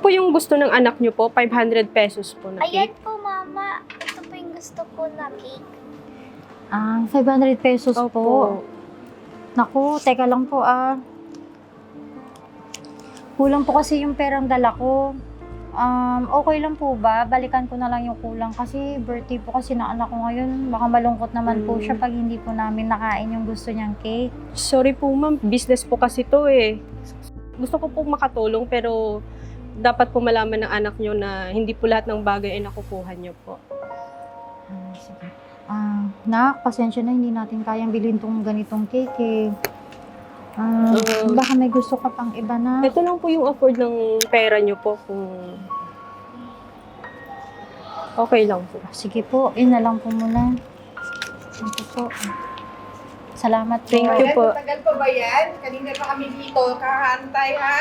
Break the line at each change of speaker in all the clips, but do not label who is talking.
po yung gusto ng anak nyo po? 500 pesos po na
Ayan
cake?
po, Mama. Ito po yung gusto ko na cake.
500 pesos po.
Opo.
Naku, teka lang po Kulang po kasi yung perang dala ko. Okay lang po ba? Balikan ko na lang yung kulang kasi birthday po kasi ng anak ko ngayon. Baka malungkot naman po siya pag hindi po namin nakain yung gusto niyang cake.
Sorry po ma'am, business po kasi to eh. Gusto ko po makatulong pero dapat po malaman ng anak nyo na hindi po lahat ng bagay ay nakukuha nyo po.
Sige. Nak, pasensya na hindi natin kayang bilhin tong ganitong cake eh. Baka may gusto ka pang iba na.
Ito lang po yung afford ng pera nyo po kung okay lang po.
Sige po, yun na lang po muna. Sige po. Salamat po.
Thank you po.
Tagal pa ba yan? Kanina pa kami dito, kakantay ha?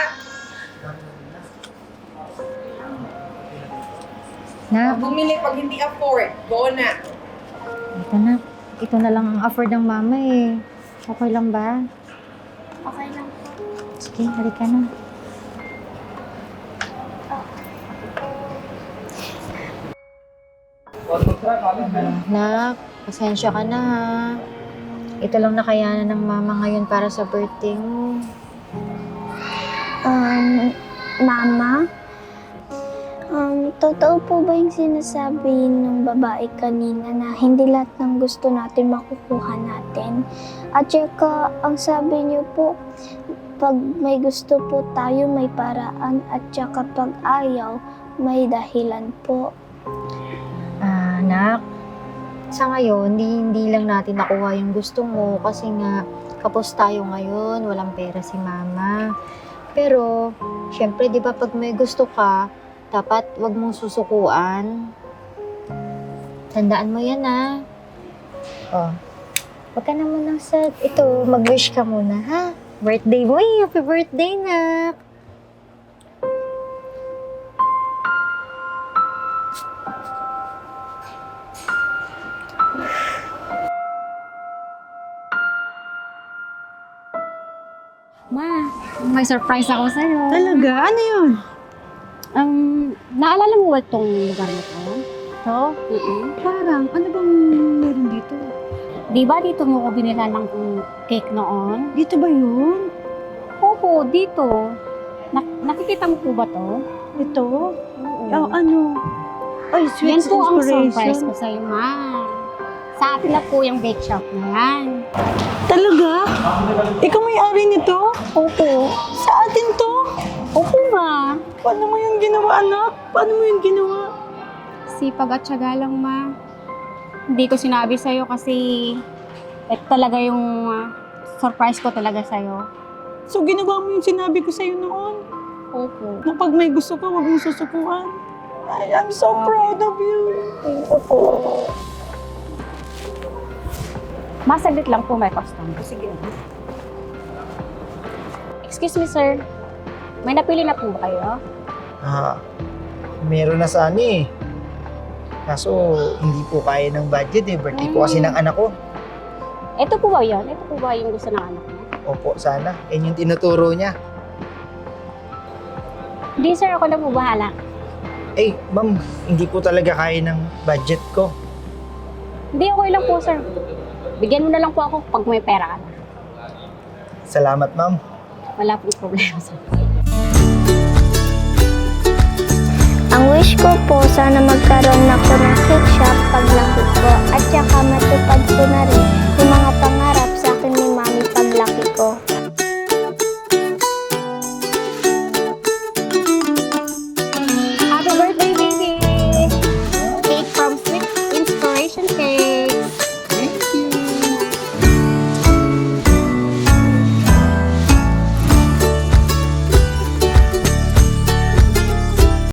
Nak,
Bumili pag hindi afford, go na.
ito na. Ito na lang ang afford ng mama eh. Okay lang ba?
Okay lang po.
Sige, halika na. Nak, pasensya ka na ha. Ito lang nakayanan ng mama ngayon para sa birthday mo.
Mama? Totoo po ba yung sinasabi ng babae kanina na hindi lahat ng gusto natin makukuha natin? At saka, ang sabi niyo po, pag may gusto po tayo, may paraan. At saka pag ayaw, may dahilan po.
Nak, sa ngayon, hindi lang natin nakuha yung gusto mo kasi nga kapos tayo ngayon, walang pera si mama. Pero, syempre, di ba pag may gusto ka, dapat wag mong susukuan. Tandaan mo yan, ha? Oh, wag ka na muna sad. Ito, mag-wish ka muna, ha? Birthday mo eh. Happy birthday, nak.
Ma, may surprise ako sa'yo.
Talaga? Ano yun?
Naalala mo ba itong lugar na to?
To?
Parang, ano bang meron dito?
Di ba dito mo ko binila ng cake noon?
Dito ba yun?
Opo, dito. Nakikita mo po ba to?
Ito?
Oo.
Oh, ano? Ay, sweet
Yan po ang surprise
inspiration.
ko sa'yo, ma. Sa atin na po yung bake shop na yan.
Talaga? Ikaw may-ari nito?
Opo.
Sa atin to?
Opo, ma.
Paano mo yung ginawa, anak? Paano mo yung ginawa?
Sipag at tiyaga lang, ma. Hindi ko sinabi sa'yo kasi ito talaga yung surprise ko talaga sa'yo.
So, ginawa mo yung sinabi ko sa'yo noon?
Opo.
Na pag may gusto ka, huwag mong susukuan. I'm so proud of you.
Masaglit lang po may customer. Sige. Excuse me, sir. May napili na po ba kayo?
Meron na sana eh. Kaso, hindi po kaya ng budget eh. Birthday po kasi ng anak ko.
Ito po ba yan? Ito po ba yung gusto ng anak mo?
Opo, sana. Yan yung tinuturo niya.
Hindi, sir. Ako na po bahala.
Eh, ma'am, hindi po talaga kaya ng budget ko.
Hindi, okay lang po, sir. Bigyan mo na lang po ako pag may pera ka na.
Salamat, ma'am.
Wala pong problema, sir.
Ang wish ko po, sana magkaroon ako ng cake shop pag laki ko. At saka matupad ko na rin